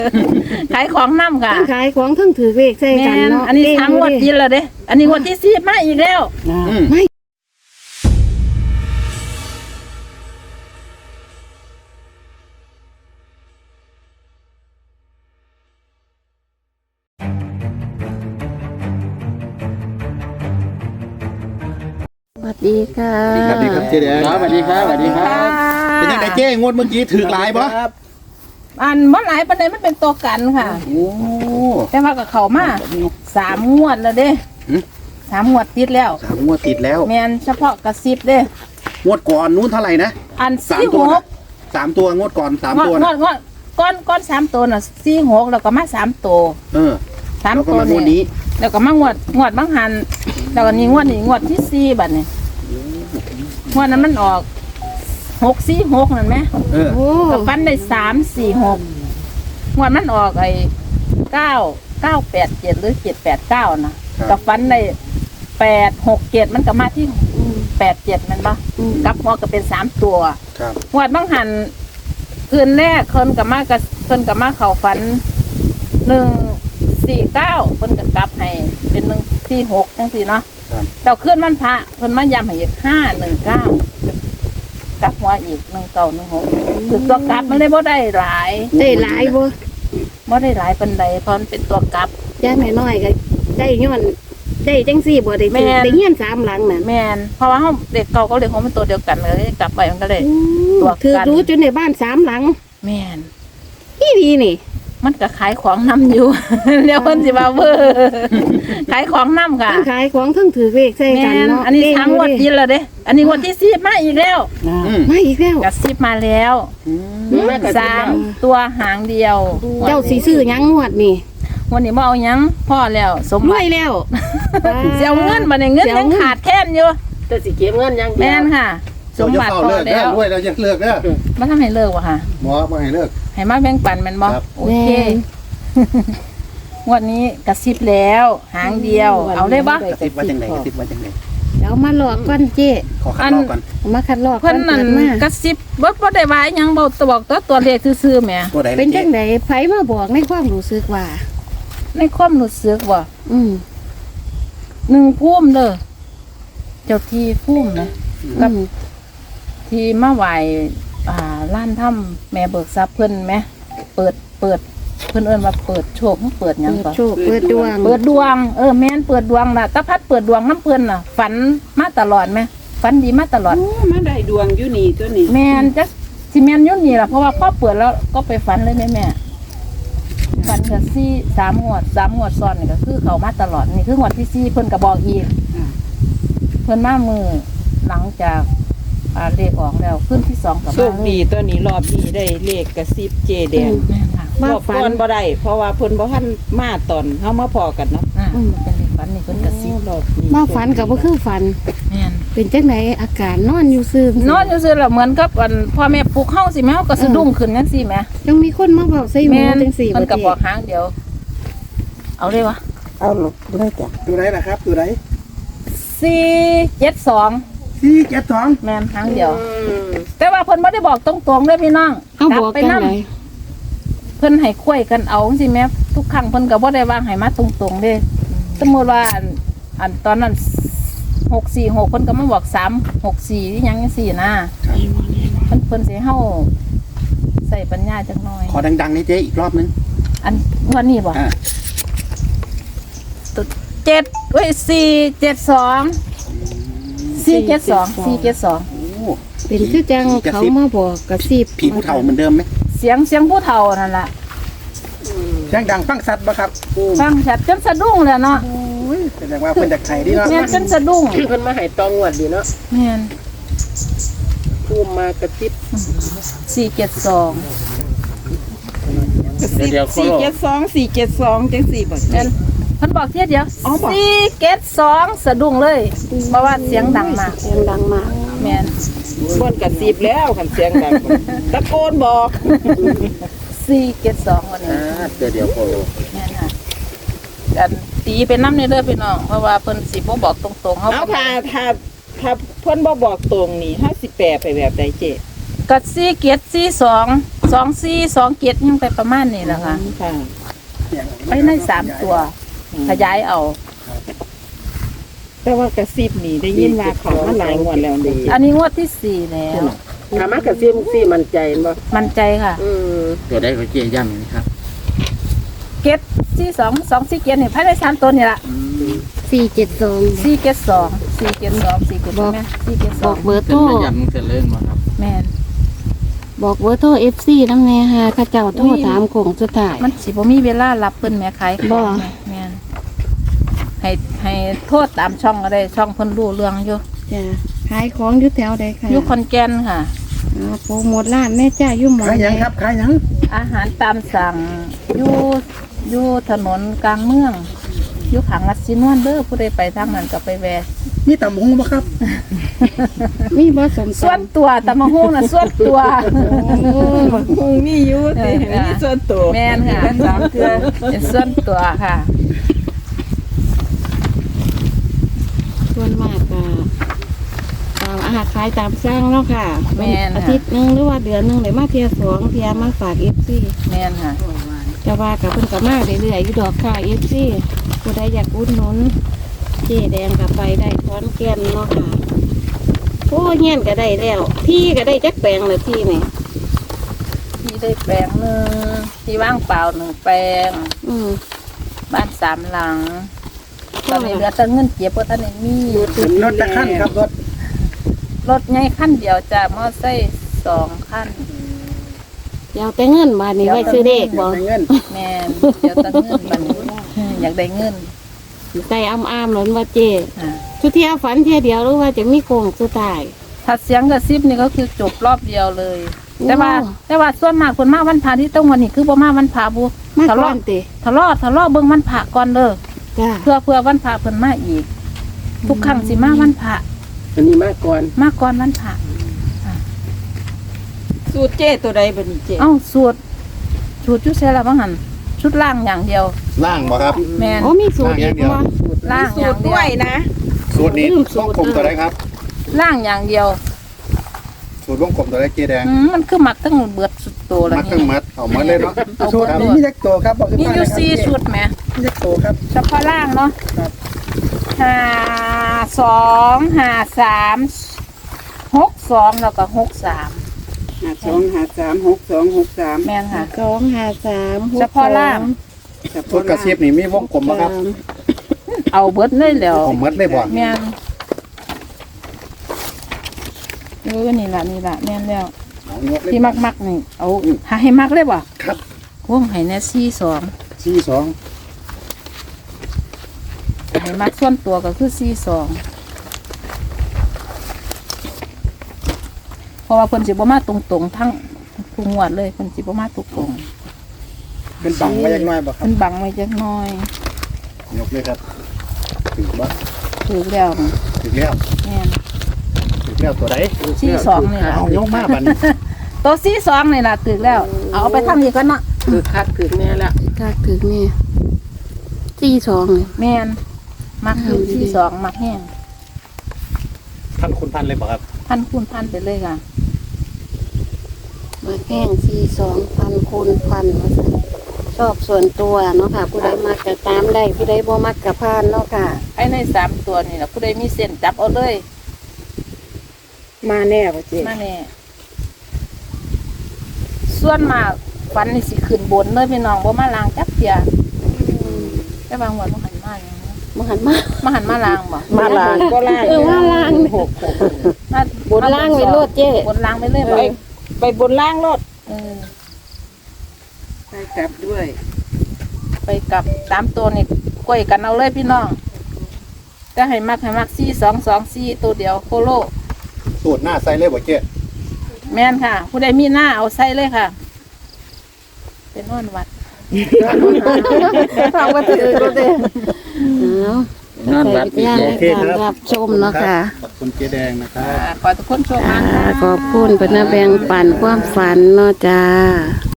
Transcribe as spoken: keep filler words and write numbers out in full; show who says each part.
Speaker 1: ขายของน้ำค่ะ
Speaker 2: ขายของทั้งถือเลขใส่
Speaker 1: แม่
Speaker 2: กัน
Speaker 1: น
Speaker 2: เนาะ
Speaker 1: อันนี้ทั้งงวดกินแล้วเด้อันนี้งวดที่สิบมาอีกแล้ว
Speaker 3: อืม
Speaker 2: ไม่ สวัสดีค่ะ
Speaker 3: สวัสดีครับเจ๊แดง
Speaker 4: ครับสวัสดีครับสวัสดีครับ
Speaker 3: เป็นยังไงเจ๊งวดเมื่อกี้ถือหลายปะ
Speaker 1: อันเมื่อหลายปันใดมันเป็นตัวกันค่ะ
Speaker 3: โอ้
Speaker 1: แต่ว่ากับเขามาสามงวดแล้วเด้
Speaker 3: หึ
Speaker 1: สามงวดติดแล้ว
Speaker 3: สามงวดติดแล้ว
Speaker 1: แมนเฉพาะกระซิบเด้
Speaker 3: งวดก่อนนู้นเท่าไหร่นะ
Speaker 1: อัน
Speaker 3: สาม
Speaker 1: สี่
Speaker 3: ตั
Speaker 1: ห
Speaker 3: วนะ
Speaker 1: ก
Speaker 3: สามตัวงวดก่อนสาม
Speaker 1: งวด
Speaker 3: ตัว
Speaker 1: ง
Speaker 3: นะ
Speaker 1: วดงวดก้อนก้อนสามตัวน่ะสี่หกแล้วก็มาสามตัว
Speaker 3: เออ
Speaker 1: สาม
Speaker 3: แล้วก็
Speaker 1: ตัว
Speaker 3: มางวดนี้
Speaker 1: แล้วก็มางวดงวดบางหันแล้วก็นี่งวดนี่งวดที่สี่บัดนี่งวดนั้นมันออกหกสี่หกนั่นไหม
Speaker 3: เออ
Speaker 2: โอ้
Speaker 1: ก็ฟันได้สามสี่หกงวดมันออกไอ้เก้าเก้าแปดเจ็ดหรือเจ็ดแปดเก้านะก็ฟันได้แปดหกเจ็ดมันก็มาที่แปดเจ็ดมันปะกลับหัวก็เป็นสามตัว
Speaker 3: ครับ
Speaker 1: งวดบางหันคืนแรกคนกับมากับคนกับมาเขาฝันหนึ่งสี่เก้าคนกับกลับให้เป็นหนึ่งสี่หกจังสี่เนาะ
Speaker 3: ครับ
Speaker 1: เราขึ้นวันพระคนมาย้ำให้อีกห้าหนึ่งเก้ากลับหัวอีกหนึ่งเก้าหนึ่งหกคือตัวกลับมันเลยบ่ได้หลาย
Speaker 2: ได้หลายบ่
Speaker 1: บ่ได้หลายปันใดเพราะมันเป็นตัวกลับ
Speaker 2: ย่างน้อยๆก็ได้ย้อนได้จังซี่บ่ได้
Speaker 1: แม่
Speaker 2: ถือน ได้เฮียนสามหลังน่ะ
Speaker 1: แมนเพราะว่าเขาเด็กเก่าก็เด็กของมันตัวเดียวกันเลยกลับไปมันก็เลย ตัวกัน
Speaker 2: ถือรู้จนในบ้านสามหลัง
Speaker 1: แมน
Speaker 2: นี่ดีนี่
Speaker 1: มันก็ขายของน้ำอยู่ เดี๋ยวเพิ่นสิมาเบอร์ขายของน้ำค่ะ
Speaker 2: ทั้งขายของทั้งถือเลขใส่
Speaker 1: แม
Speaker 2: กัน
Speaker 1: น
Speaker 2: เนาะ
Speaker 1: อันนี้ทั้งงวดกินแล้วเด้อันนี้งวดที่สิบมาอีกแล้ว
Speaker 3: อืม
Speaker 2: มาอีกแล้ว
Speaker 1: กระซิบมาแล้ว
Speaker 3: อืม
Speaker 1: สามตัวหางเดียว
Speaker 2: เจ้าสีซื้อหยังงวดนี่
Speaker 1: วันนี้บ่เอาหยังพ่อแล้วสม
Speaker 2: ร
Speaker 1: บั
Speaker 2: วย
Speaker 1: ติ
Speaker 2: แล้ว
Speaker 1: เสียเงินมาในเงิน
Speaker 2: เสีย
Speaker 1: ยัง
Speaker 2: เงิน
Speaker 1: ขาดแค้นอยู่
Speaker 4: แต่สิเก็บเงินอยัง
Speaker 1: แม่นค่ะ ส
Speaker 3: เจ้าม จะ
Speaker 1: บัติ
Speaker 3: เฝ้า
Speaker 1: พอ
Speaker 3: เลิก
Speaker 1: แล้
Speaker 3: เด้อ
Speaker 1: ว
Speaker 3: รวยแล้วยังเลิกเด้อ
Speaker 1: มาทำให้เลิกวะค่ะ
Speaker 3: หมอมาให้เลิก
Speaker 1: ให้มาแบ่งปันแมันบ่
Speaker 3: ครับ
Speaker 1: โอเคงวันนี้กระซิบแล้วหางเดียว เอาได้บ่
Speaker 3: กระติบว่าจังไหนกระติบว่าจังไหน
Speaker 2: เดี๋ยวมาหลอกก่อนเจ๊
Speaker 3: ขอคัดลอกก่อน
Speaker 2: เอามาคัดลอกก่
Speaker 1: เพิ่นนั่น
Speaker 2: ปิดมาก
Speaker 1: ระซิบบ่บ่ได้ว่าหยังบ่ตัวบอกตัวตัวเลขซื่อๆแหม
Speaker 3: ตัวไหน
Speaker 2: เป็น
Speaker 3: เจ๊
Speaker 2: จังไดไผมาบอกในความรู้สึกว่า
Speaker 1: ในความรู้สึกว่า
Speaker 2: อืม
Speaker 1: หนึ่งพุ่มเด้อเจ้าที่พุ่มนะ
Speaker 2: อืม
Speaker 1: ที่มาไหว้อ่าล้านถ้ำแม่เบิกทรัพย์เพิ่นไหมเปิดเปิดเพิ่นเอิ้นว่าเปิดโชคเปิดหยัง
Speaker 2: เปิด
Speaker 1: ก่อน
Speaker 2: โชคเปิดดวง
Speaker 1: เปิดดวงเออแม่นเปิดดวงล่ะตาพัดเปิดดวงน้ำเพิ่นน่ะ ฝันมาตลอดไหมฝันดีมาตลอด
Speaker 4: โอ้มาได้ดวงอยู่นี่ตัวนี้
Speaker 1: แม่นจักสิแม่นอยุ่นนี่ล่ะเพราะว่าพ่อเปิดแล้วก็ไปฝันเลยแม่แม่ฝันก็สี่สามงวดสามงวดซ้อนนี่ก็คือเขามาตลอดนี่คืองวดที่สี่เพิ่นก็บอกอีกเพิ่นมามือหลังจากอ่าเลขออกแล้วขึ้นที่สองกับ
Speaker 5: โชคดีตัวนี้รอบนี้ได้เลขกระซิบเจแดง
Speaker 1: แม่นค่ะ
Speaker 2: มาร
Speaker 5: อบ
Speaker 2: ฝั
Speaker 5: ก่อน นบ่ได้เพราะว่าเพิ่นบ่ทันมาตอนเฮามาพอกันเนาะ
Speaker 1: อ่ามันเป็นเลขฝันนี่เพิ่นกระซิบ
Speaker 5: รอบนี้
Speaker 2: มาฝันกับบ่คือฝัน
Speaker 1: แม่น
Speaker 2: เป็นจังไดอาการนอนอยู่ซื่อน
Speaker 1: อนอยู่ซื่อแล้วเหมือนกับอันพ่อแม่ปลุกเฮาสิแม่เฮาก็สะดุ้งขึ้นจังซี่แหม
Speaker 2: ยังมีคนมาบอกใส่หมู
Speaker 1: แม่น
Speaker 2: จังสี่
Speaker 1: เพิ่นก็
Speaker 2: บ่
Speaker 1: บอกหางเดียว เอาเลยวะ
Speaker 4: เอาลูกเลยจ้ะ
Speaker 3: ตัวไหนนะครับตัวไหน
Speaker 1: สี่เจ็ดสอง
Speaker 3: สี่เจ็ดสอง
Speaker 1: แม่นหางเดียว แต่ว่าเพิ่นบ่ได้บอกตรงๆเด้อพี่น้อง
Speaker 2: เอาบอก
Speaker 1: ไป
Speaker 2: จัง
Speaker 1: นํ
Speaker 2: ได
Speaker 1: เพิ่นให้คุยกันเอาจังซี่แหม่ทุกครั้งเพิ่นก็บ่ได้วางให้มาตรงๆเด้สมมุติว่าอันอันตอนนั้นหกสี่หกเพิ่นก็มาบอกสาม หกสี่อีหยังจังซี่นะเพิ่นเพิ่นสิให้เฮาใส่ปัญญาจักหน่อย
Speaker 3: ขอดังๆนี่เจ๊อีกรอบนึง
Speaker 1: อันวันนี้บ่
Speaker 3: อ่า
Speaker 1: เจ็ดเว้ยสี่เจ็ดสองสี่เจ็ดสองสี่เจ็ดสอง
Speaker 3: โอ้
Speaker 2: เป็นคือจังเขามาบอกกระซิบ
Speaker 3: ผีผู้เฒ่าเหมือนเดิมไหม
Speaker 1: เสียงเสียงผู้เฒ่านั่นล่ะ
Speaker 3: เสียงดังฟังสัตว์ปะครับ
Speaker 1: ฟังชัดจนสะดุ้งเลยเนาะ
Speaker 3: แสดงว่าเพิ่นจากไทยดีเนาะ
Speaker 1: แม่นจนสะดุ้ง
Speaker 4: เพิ่นมาให้ตองวดดีเนาะ
Speaker 1: แม่น
Speaker 4: ภูมิมากระติบ
Speaker 1: สี่เจ็ดสอง
Speaker 5: กระซิบสี่เจ็ดสอง สี่เจ็ดสองจังสี่บ่
Speaker 1: แม่นเพิ่นบอกเทียเดียว
Speaker 5: อ๋อบอก
Speaker 1: สี่เจ็ดสองสะดุ้งเลยเพราะว่าเสียงดังมาก
Speaker 2: เสียงดังมาก
Speaker 1: แม่น
Speaker 5: เพิ่นกระซิบแล้วคันเสียงดังตะโกนบอก
Speaker 1: สี่เจ็ดสองวันนี้
Speaker 3: อ่าเดี๋ยวเดี๋ยวโอ้
Speaker 1: แม่นค่ะกันตีเป็นน้ำในเด้อพี่น้องเพราะว่าเพิ่นสิบ่บอกตรงๆเฮา
Speaker 5: เอาถ้าถ้าถ้าเพิ่นบ่บอกตรงนี่เฮาสิแปลไปแบบใดเจ
Speaker 1: ก็สี่เกียรติสี่สองสองสี่สองเกียรติยังไปประมาณนี้แหละค่ะ
Speaker 4: ค่ะ
Speaker 1: ไปในสามตัว ขยายเอา
Speaker 5: แต่ว่ากระซิบนี่ได้ยินว่าเขามาหลายงวดแล้วนี่
Speaker 1: อันนี้งวดที่สี่แล้ว
Speaker 4: ถามมากระซิบซี่มันใจบ่
Speaker 1: มั่นใจค่ะ
Speaker 4: อืม
Speaker 3: ตัวได้ก็เจี๊ยย่ำนะครับ
Speaker 1: เกียรติสี่สองสองสี่เกียรตินี่ภายในสามตัวนี่ละ
Speaker 2: สี่เจ็ดสอง
Speaker 1: สี่เกียรติสองสี่เกียรติสองสี่เกียรติแม่สี่เกียรติส
Speaker 2: บ
Speaker 1: อ
Speaker 2: อง กเบอร์โทร
Speaker 3: ย่ำจะเล่นมาครับ
Speaker 1: แม่น
Speaker 2: บอกเบอร์โทรเอฟซีน้ำแน่ฮะข้าเจ้าโทรถามโคงสุดท้าย
Speaker 1: มันสิบ่มีเวลารับเพิ่นแม่ขายของ
Speaker 2: บ่
Speaker 1: แม่แม่นให้ให้โทษตามช่องก็ได้ช่องเพิ่นรู้เรื่องอยู่
Speaker 2: จ้ะขายของอยู่แถวใดค่ะ
Speaker 1: อยู่ขอนแก่นค่ะ
Speaker 2: อ๋อโปรโมทร้านแม่จ้าอยู่หมอ
Speaker 3: ขายหยังครับขายหยัง
Speaker 1: อาหารตามสั่งอยู่อยู่ถนนกลางเมืองอยู่ขังวัดสินวนเด้อผู้ใดไปทางนั้นก็ไปแวะ
Speaker 3: มีตำหงบ่ครับ
Speaker 2: มีบ่สม
Speaker 1: ส่วนตัวตะมะฮุ่งน่ะส่วนตัว
Speaker 5: คงมีอยู่แต่
Speaker 1: เออ
Speaker 5: มีส่วนตัว
Speaker 1: แม่นค่ะสามเทื่อเป็นส่วนตัวค่ะ
Speaker 2: ส่วนมากก็ตามอาหารขายตามสร้างเนาะค่ะ
Speaker 1: แม่นค่ะ
Speaker 2: อาทิตย์หนึงหรือว่าเดือนหนึงได้มาเที่ยวสองเที่ยมาฝากเอฟซี
Speaker 1: แม่นค่ะ
Speaker 2: จะว่ากับเพิ่นก็มาเรื่อยๆอยู่ดอกค่ะเอฟซีผู้ใดอยากอุดหนุนเจ๊แดงก็ไปได้ขอนแก่นเนาะค่ะโอ้เงี้ยนก็ได้แล้ว ที่ก็ได้จักแปลงเลยที่นี่
Speaker 1: ที่ได้แปลงหนึงที่ว่างเปล่าหนึ่งแปลง
Speaker 2: อืม
Speaker 1: บ้านสามหลัง ตอนนี้เหลือแต่เงินเก็บเพราะท่านได้มี
Speaker 3: รถตะขั้นครับรถ
Speaker 1: รถใหญ่ขั้นเดียวจ้ะมอไซค์สองขั้น
Speaker 2: อยากแต่เงินบาทนี้ไว้ซื้อเด็กบ่
Speaker 3: เงิน
Speaker 1: แม่นเดี๋ยวแตั้งเงินบัดนี้อยากได้เงิน
Speaker 2: ใจอ้ำๆหล้นว่าเจ
Speaker 1: อ่า
Speaker 2: ชุดเที่ยวฝันเที่ยวเดียวหรือว่าจะมีโคงสุดท้าย
Speaker 1: ถ้าเสียงกระซิบนี่ก็คือจบรอบเดียวเลย
Speaker 2: ว้าว
Speaker 1: แต่ว่าแต่ว่าส่วนมากคนมาวันพระที่ต้องวันนี้คือบ่มาวันพระบุ
Speaker 2: มา
Speaker 1: ทะ
Speaker 2: ก่อ
Speaker 1: เลาะ
Speaker 2: นติ
Speaker 1: ทะเลาะทะเลาะเบิ่งวันพระก่อนเด้อ
Speaker 2: จ้า
Speaker 1: เพื่อเพื่อวันพระเพิ่นมาอีก ทุกครั้งสิมาวันพระ
Speaker 4: อันนี้มาก่อน
Speaker 1: มาก่อนวันพระ
Speaker 5: สูตรเจ้ตัวใดบัดนี้เจ้
Speaker 1: เอ้าสูตรสูตรจุดเสร็จแล้วบ่หั่นชุดล่างอย่างเดียว
Speaker 3: ล่างบ่ครับ
Speaker 1: แม่น
Speaker 2: โอ้มีสูตรอีกบ่
Speaker 1: ล่างอ
Speaker 5: สู
Speaker 1: ย่า
Speaker 5: ต
Speaker 1: ง
Speaker 5: ร
Speaker 1: เดี
Speaker 5: ด้
Speaker 1: ยว
Speaker 5: วยนะ
Speaker 3: สูตรนี้วงกลมตัวไหนครับ
Speaker 1: ล่างอย่างเดียว
Speaker 3: สูตรวงกลมตัวไหนเจ๊แดง
Speaker 1: อืมมันคือมักทั้งเบิดสุดโตแล้ว
Speaker 3: มัดทั้ง
Speaker 1: นี่
Speaker 3: มัดเอามัดเลยเนาะ
Speaker 1: เอา
Speaker 3: สูตร
Speaker 1: หมด
Speaker 3: นี้
Speaker 1: เลย
Speaker 3: มีจักตัวครับบอก
Speaker 1: มีอยู่สี่ชุดแหม
Speaker 3: มีจักตัวครับ
Speaker 1: เฉพาะล่างเนาะ
Speaker 3: ครับ
Speaker 1: ห้าสองห้าสามหกสองแล้วก็หกสาม
Speaker 5: หาสองหาสามหกสองหกสาม
Speaker 1: แม่นค่ะ
Speaker 2: สองห้าสามหก
Speaker 1: เฉพาะล่าง
Speaker 3: สูตรกระซิบนี่มีวงกลมบ่ครับ
Speaker 1: เอาเบิดเลยแล้ว
Speaker 3: เอามัดเลยบ่
Speaker 1: แม่นเออนี่ล่ะนี่ล่ะแม่นแล้ว
Speaker 3: เอายกเลย
Speaker 1: ที่มักมักๆนี่เอาหาให้มักเลยบ่
Speaker 3: ครับ
Speaker 1: วงให้แน่สี่สอง
Speaker 3: สี่สอง
Speaker 1: ให้มักส่วนตัวก็คือสี่สองเพราะว่าเพิ่นสิบ่มาตรงๆทั้งทุกงวดเลยเพิ่นสิบ่มาตรงๆ
Speaker 3: เป็นบังไว้ยังน้อยบ่ครับ
Speaker 1: เพิ่นบังไว้จักหน่อย
Speaker 3: ยกเลยครับถึงบ่
Speaker 1: ถูกแล้วนะ
Speaker 3: ถึงแล้ว
Speaker 1: แม่น
Speaker 3: ถึงแล้วตัวไหน
Speaker 1: สี่สองนี่ล่ะ
Speaker 3: เอายกมาบัดนี้
Speaker 1: ตัวสี่สองนี่ล่ะตึกแล้ว เอาไปทำอีกกันเนาะ
Speaker 4: คือคักคือแน่ละ
Speaker 2: ถ้าถึงนี่สี่สองนี่
Speaker 1: แม่นมักคือสี่สองมักแห้ง
Speaker 3: ท่านคุณพันเลยบ่ครับ
Speaker 1: พันคูณพันไปเลยค่ะ
Speaker 2: มาแข้งสี่สองพันคูณพันว่าซั่นชอบส่วนตัวเนาะค่ะ ผู้ใดมักก็ตามได้ผู้ใดบ่มักก็ผ่านเนาะค่ะ
Speaker 1: ไอ้ในสามตัวนี่ล่ะผู้ใดมีเส้นจับเอาเลย
Speaker 5: มาแน่ป่ะเจ้
Speaker 1: มาแน่ส่วนมากฟันนี่สิขึ้นบนเลยพี่น้องบ่มาลางจักเทียแต่บางวันบ่หันมาอย่างนั้น
Speaker 2: มาหันมา
Speaker 1: มาหันมาลางบ่
Speaker 5: มาลางก็ล่าง
Speaker 2: เออมาล่าง
Speaker 5: หกหก
Speaker 1: มา
Speaker 2: บนล่างไว้โลดเจ้
Speaker 1: บนล่างไปเลย
Speaker 5: ไป
Speaker 1: บ่
Speaker 5: ไปบนล่างรถ
Speaker 1: เออ
Speaker 5: ไปกลับด้วย
Speaker 1: ไปกลับสามตัวนี่กล้วยกันเอาเลยพี่น้องแต่ให้มักให้มักสี่สองสองสี่ตัวเดียวโคโล
Speaker 3: สูตรหน้าใส่เลยบ่เจ๊
Speaker 1: แม่นค่ะ ผู้ใดมีหน้าเอาใส่เลยค่ะ เป็นนอนวัด
Speaker 2: ฟังว่าถือก็ได้เอาใส่วิทยาในการรับชมเนาะค่ะ
Speaker 3: ขอบคุณเจ๊แดงนะครับ
Speaker 1: อ่าขอทุกคนโชคดี
Speaker 2: อ่า
Speaker 1: ค่ะ
Speaker 2: ขอบคุณเพิ่นนะแบ่งปันความฝันเนาะจ้า